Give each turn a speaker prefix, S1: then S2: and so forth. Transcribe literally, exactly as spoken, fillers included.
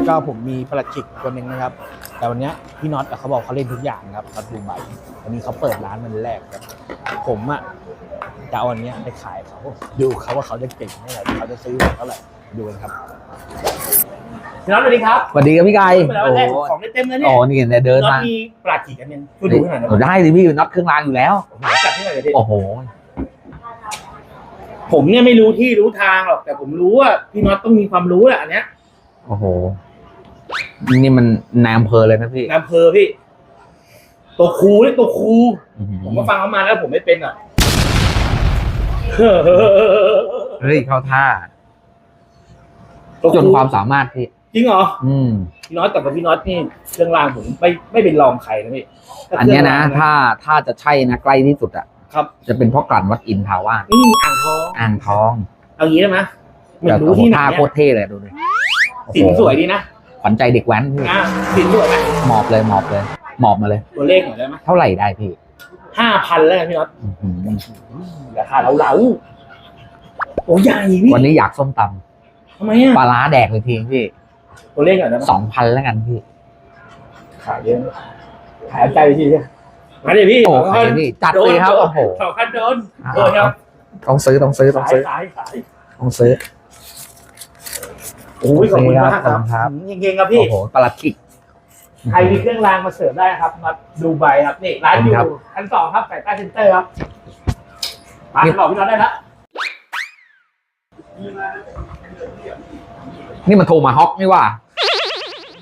S1: ก็ผมมีประหลัดขิกตัวหนึ่งนะครับแต่วันนี้พี่น็อตเขาบอกเขาเล่นทุกอย่างครับน็อตดูใบวันนี้เขาเปิดร้านมันแรกครับผมอ่ะจะเอาวันนี้ไปขายเขาดูเขาว่าเขาจะเก่งเท่าไหร่เขาจะซื้อเท่าไหร่ดูกันครับพี่น็อตสวัสดีครับ
S2: สวัสดีครับพี่ไก่
S1: โอ้ของได้เต็มเลยเนี่ย
S2: อ๋อนี่เนี่ยเดินมา
S1: มีประหลัดขิกกันเนี่ยช่วยดูหน่อยนะ
S2: ได้ดิพี่น็อตเครื่องรางอยู่แล้ว
S1: จัดให้หน่อยเลย
S2: โอ้โห
S1: ผมเนี่ยไม่รู้ที่รู้ทางหรอกแต่ผมรู้ว่าพี่น็อตต้องมีความรู้แหละอันเนี้ย
S2: โอ้โหนี่มันนายอำเภอเลยนะพี่
S1: นายอำเภอพี่ตัวครูเนี่ยตัวครูผมก็ฟังเขามาแล้วผมไม่เป็นอ่ะ
S2: เฮ้ยเข้าท่าจนความสามารถพี่
S1: จริงเหรอ
S2: อืม
S1: พี่น็อตกับพี่น็อตนี่เครื่องรางผมไม่ไม่เป็นรองใครนะพี่
S2: อันนี้นะถ้าถ้าจะใช่นะใกล้ที่สุดอ่ะ
S1: ครับ
S2: จะเป็นพ่อกลั่นวัดอินทาวาส
S1: นี่อ่างทอง
S2: อ่างทอง
S1: เอางี้ได้ไหม
S2: ไม่รู้ที่ไหนโคตรเท่เลยดูดิ
S1: สินสวยดีนะ
S2: ขวัญใจเด็กแว้นพี่
S1: อ่าสินสวยไหม
S2: หมอบเลยหมอบเลยหมอบมาเลย
S1: ตัวเลขหน่อยได้ไหม
S2: เท่าไหร่ได้พี่
S1: ห้าพันแล้วพี่น็อตราคาเหลาๆโอ้ใหญ่พี่
S2: วันนี้อยากส้มต
S1: ำทำไมอ่ะ
S2: ปลาร้าแดกเลยทีพี่
S1: ตัวเลขหน่อยได้ไหม
S2: สองพันแล้วกันพี่
S1: ขายเยอะขายใจพี่มาดิพี่
S2: โอ้ขายพี่จัดเลยครับโอ้โห
S1: สองพันโดนโดนครับ
S2: ต้องซื้อต้องซื้อต้องซื้อต้องซื้อ
S1: โอ้ยขอบคุณมากครับเก่งๆครับพี่
S2: โอ้โหปลาคิก
S1: ใครมีเครื่องรางมาเสิร์ฟได้ครับมาดูใบครับนี่ร้านอยู่ชั้นสองครับสายใต้เซ็นเตอร์ครับมาหลอกพี่น้องได้ละ
S2: นี่มันโทรมาฮอกนี่ว่า